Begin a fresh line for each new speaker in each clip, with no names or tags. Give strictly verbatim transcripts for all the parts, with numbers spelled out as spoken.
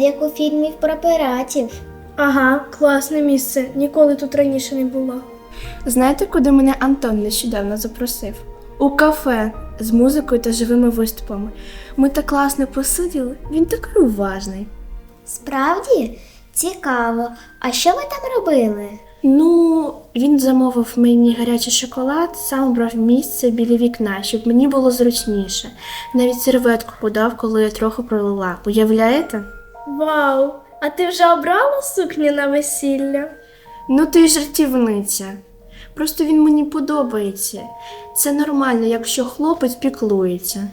як у фільмів про пиратів.
Ага, класне місце. Ніколи тут раніше не була. Знаєте, куди мене Антон нещодавно запросив? У кафе з музикою та живими виступами. Ми так класно посиділи, він такий уважний.
Справді? Цікаво. А що ви там робили?
Ну, він замовив мені гарячий шоколад, сам обрав місце біля вікна, щоб мені було зручніше. Навіть серветку подав, коли я трохи пролила. Уявляєте? Вау! А ти вже обрала сукню на весілля? Ну ти жартівниця. Просто він мені подобається. Це нормально, якщо хлопець піклується.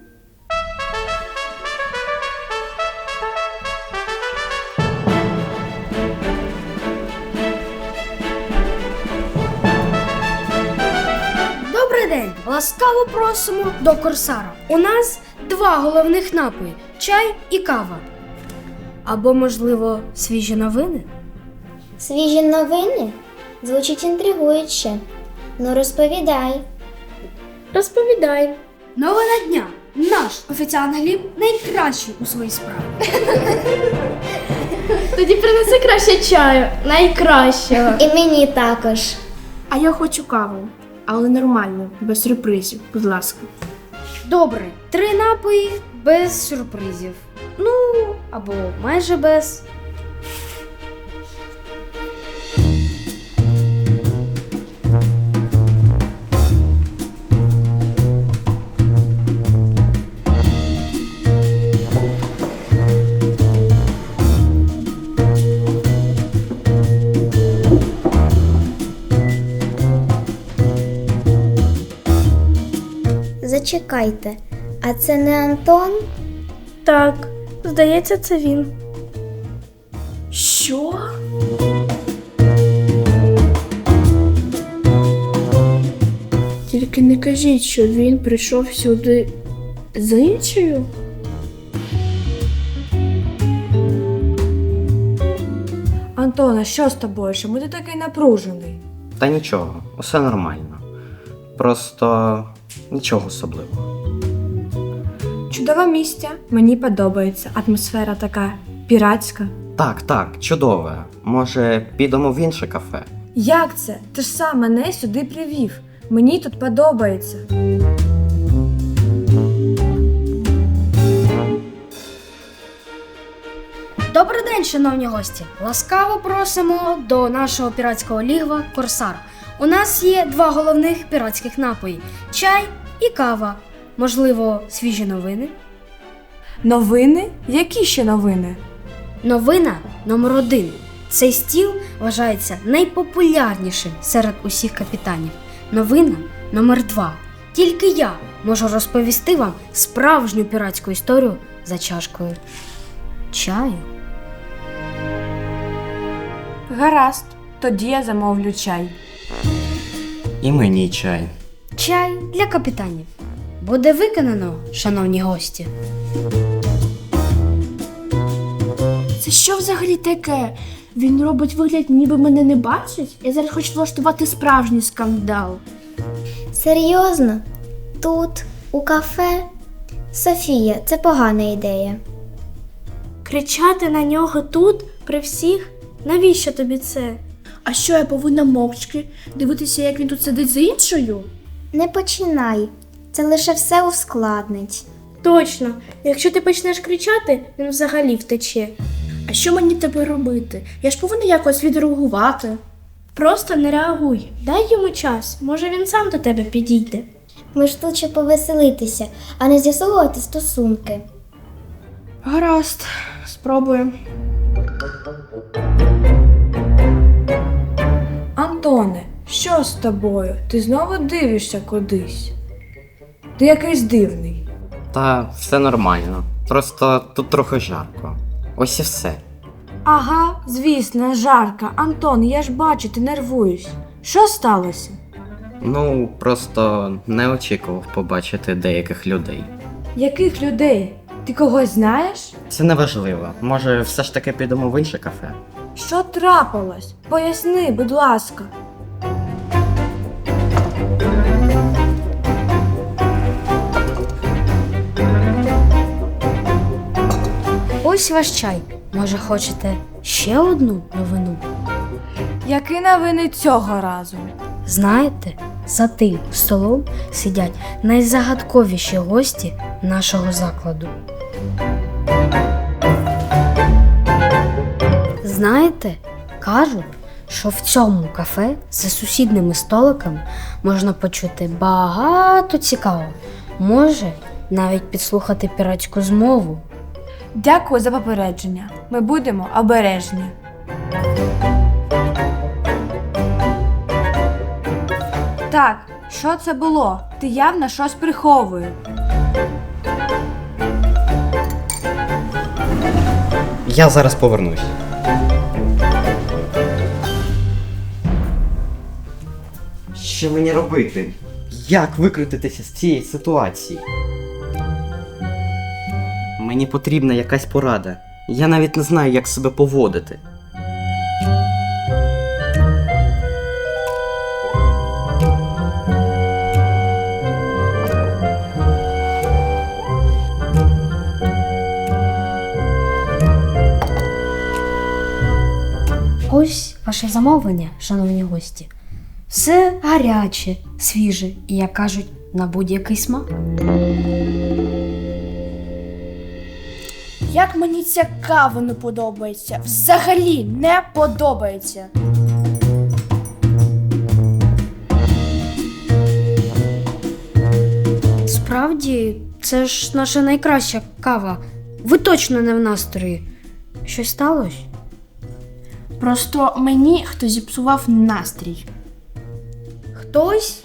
Добрий день! Ласкаво просимо до Корсара. У нас два головних напої – чай і кава. Або, можливо, свіжі новини?
Свіжі новини? Звучить інтригуюче. Ну розповідай.
Розповідай.
Новина дня. Наш офіціант Гліб найкращий у своїй справі.
Тоді принеси краще чаю. Найкращого.
І мені також.
А я хочу каву. Але нормально, без сюрпризів, будь ласка.
Добре, три напої без сюрпризів. Ну, або майже без.
Зачекайте, а це не Антон?
Так, здається, це він. Що? Тільки не кажіть, що він прийшов сюди з іншою?
Антона, що з тобою? Чому ти такий напружений?
Та нічого, усе нормально. Просто нічого особливого.
Чудове місце, мені подобається. Атмосфера така піратська.
Так, так, чудове. Може, підемо в інше кафе?
Як це? Ти ж сам мене сюди привів. Мені тут подобається.
Добрий день, шановні гості! Ласкаво просимо до нашого піратського лігва Корсар. У нас є два головних піратських напої – чай і кава. Можливо, свіжі новини?
Новини? Які ще новини?
Новина номер один. Цей стіл вважається найпопулярнішим серед усіх капітанів. Новина номер два. Тільки я можу розповісти вам справжню піратську історію за чашкою чаю.
Гаразд, тоді я замовлю чай.
І мені чай.
Чай для капітанів. Буде виконано, шановні гості.
Це що взагалі таке? Він робить вигляд, ніби мене не бачить? Я зараз хочу влаштувати справжній скандал.
Серйозно? Тут, у кафе? Софія, це погана ідея.
Кричати на нього тут, при всіх? Навіщо тобі це? А що, я повинна мовчки дивитися, як він тут сидить з іншою?
Не починай. Це лише все ускладнить.
Точно, якщо ти почнеш кричати, він взагалі втече. А що мені тепер робити? Я ж повинна якось відреагувати. Просто не реагуй, дай йому час, може він сам до тебе підійде.
Ми ж тут щоб повеселитися, а не з'ясовувати стосунки.
Гаразд, спробуємо.
Антоне, що з тобою? Ти знову дивишся кудись? Ти якийсь дивний.
Та все нормально. Просто тут трохи жарко. Ось і все.
Ага, звісно, жарко. Антон, я ж бачу, ти нервуєш. Що сталося?
Ну, просто не очікував побачити деяких людей.
Яких людей? Ти когось знаєш?
Це не важливо. Може, все ж таки підемо в інше кафе?
Що трапилось? Поясни, будь ласка.
Ось ваш чай. Може, хочете ще одну новину?
Які новини цього разу?
Знаєте, за тим столом сидять найзагадковіші гості нашого закладу. Знаєте, кажуть, що в цьому кафе за сусідними столиками можна почути багато цікавого. Може, навіть підслухати піратську змову.
Дякую за попередження. Ми будемо обережні. Так, що це було? Ти явно щось приховуєш.
Я зараз повернусь. Що мені робити? Як викрутитися з цієї ситуації? Мені потрібна якась порада. Я навіть не знаю, як себе поводити.
Ось ваше замовлення, шановні гості. Все гаряче, свіже і, як кажуть, на будь-який смак.
Як мені ця кава не подобається. Взагалі не подобається.
Справді, це ж наша найкраща кава. Ви точно не в настрої. Щось сталося?
Просто мені хтось зіпсував настрій.
Хтось?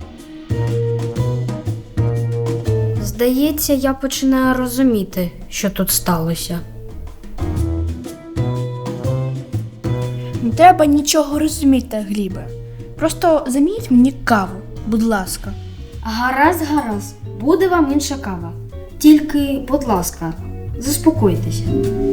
Здається, я починаю розуміти, що тут сталося.
Не треба нічого розуміти, Глібе. Просто замініть мені каву, будь ласка.
Гаразд, гаразд. Буде вам інша кава. Тільки, будь ласка, заспокойтеся.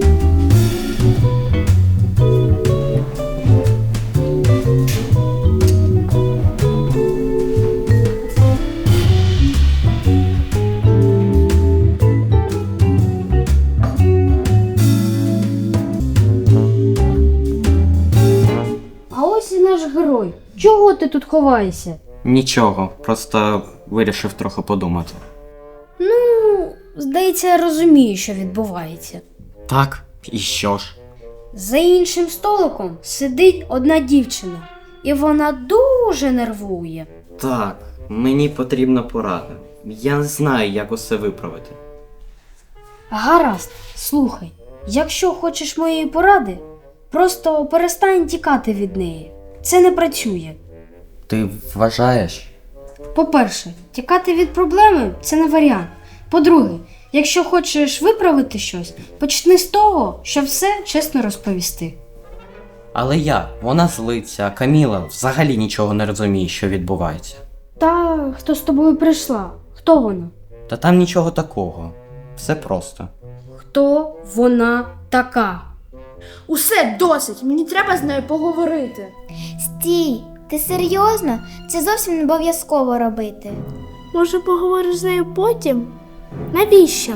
А ось і наш герой. Чого ти тут ховаєшся?
Нічого, просто вирішив трохи подумати.
Ну, здається, я розумію, що відбувається.
Так, і що ж?
За іншим столиком сидить одна дівчина, і вона дуже нервує.
Так, мені потрібна порада. Я не знаю, як усе виправити.
Гаразд, слухай, якщо хочеш моєї поради, просто перестань тікати від неї. Це не працює.
Ти вважаєш?
По-перше, тікати від проблеми – це не варіант. По-друге, якщо хочеш виправити щось, почни з того, щоб все чесно розповісти.
Але як? Вона злиться, а Каміла взагалі нічого не розуміє, що відбувається.
Та хто з тобою прийшла? Хто вона?
Та там нічого такого. Все просто.
Хто вона така?
Усе досить, мені треба з нею поговорити.
Стій, ти серйозно? Це зовсім не обов'язково робити.
Може, поговориш з нею потім? Навіщо?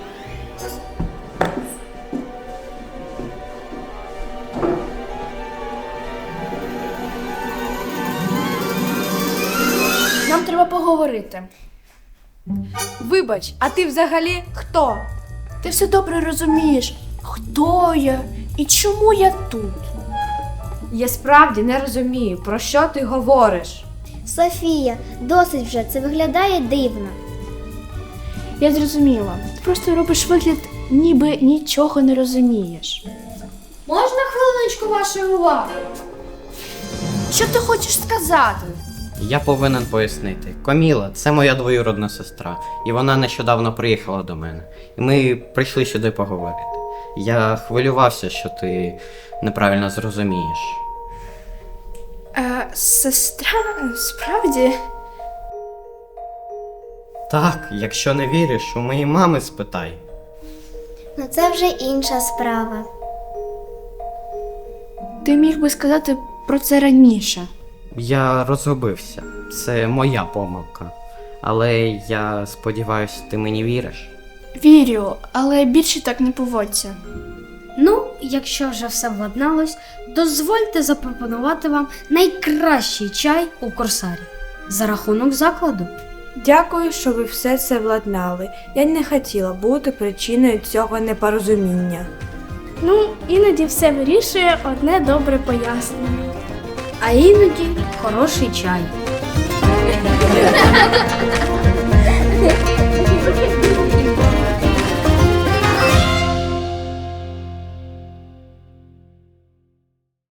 Нам треба поговорити.
Вибач, а ти взагалі хто?
Ти все добре розумієш, хто я і чому я тут.
Я справді не розумію, про що ти говориш.
Софія, досить вже, це виглядає дивно.
Я зрозуміла. Ти просто робиш вигляд, ніби нічого не розумієш.
Можна хвилиночку вашої уваги?
Що ти хочеш сказати?
Я повинен пояснити. Каміла – це моя двоюродна сестра, і вона нещодавно приїхала до мене. І ми прийшли сюди поговорити. Я хвилювався, що ти неправильно зрозумієш.
Е, сестра, справді?
Так, якщо не віриш, у моєї мами спитай.
Ну це вже інша справа.
Ти міг би сказати про це раніше.
Я розгубився. Це моя помилка. Але я сподіваюся, ти мені віриш.
Вірю, але більше так не поводься.
Ну, якщо вже все владналось, дозвольте запропонувати вам найкращий чай у Корсарі за рахунок закладу.
Дякую, що ви все це владнали. Я не хотіла бути причиною цього непорозуміння.
Ну, іноді все вирішує одне добре пояснення.
А іноді хороший чай.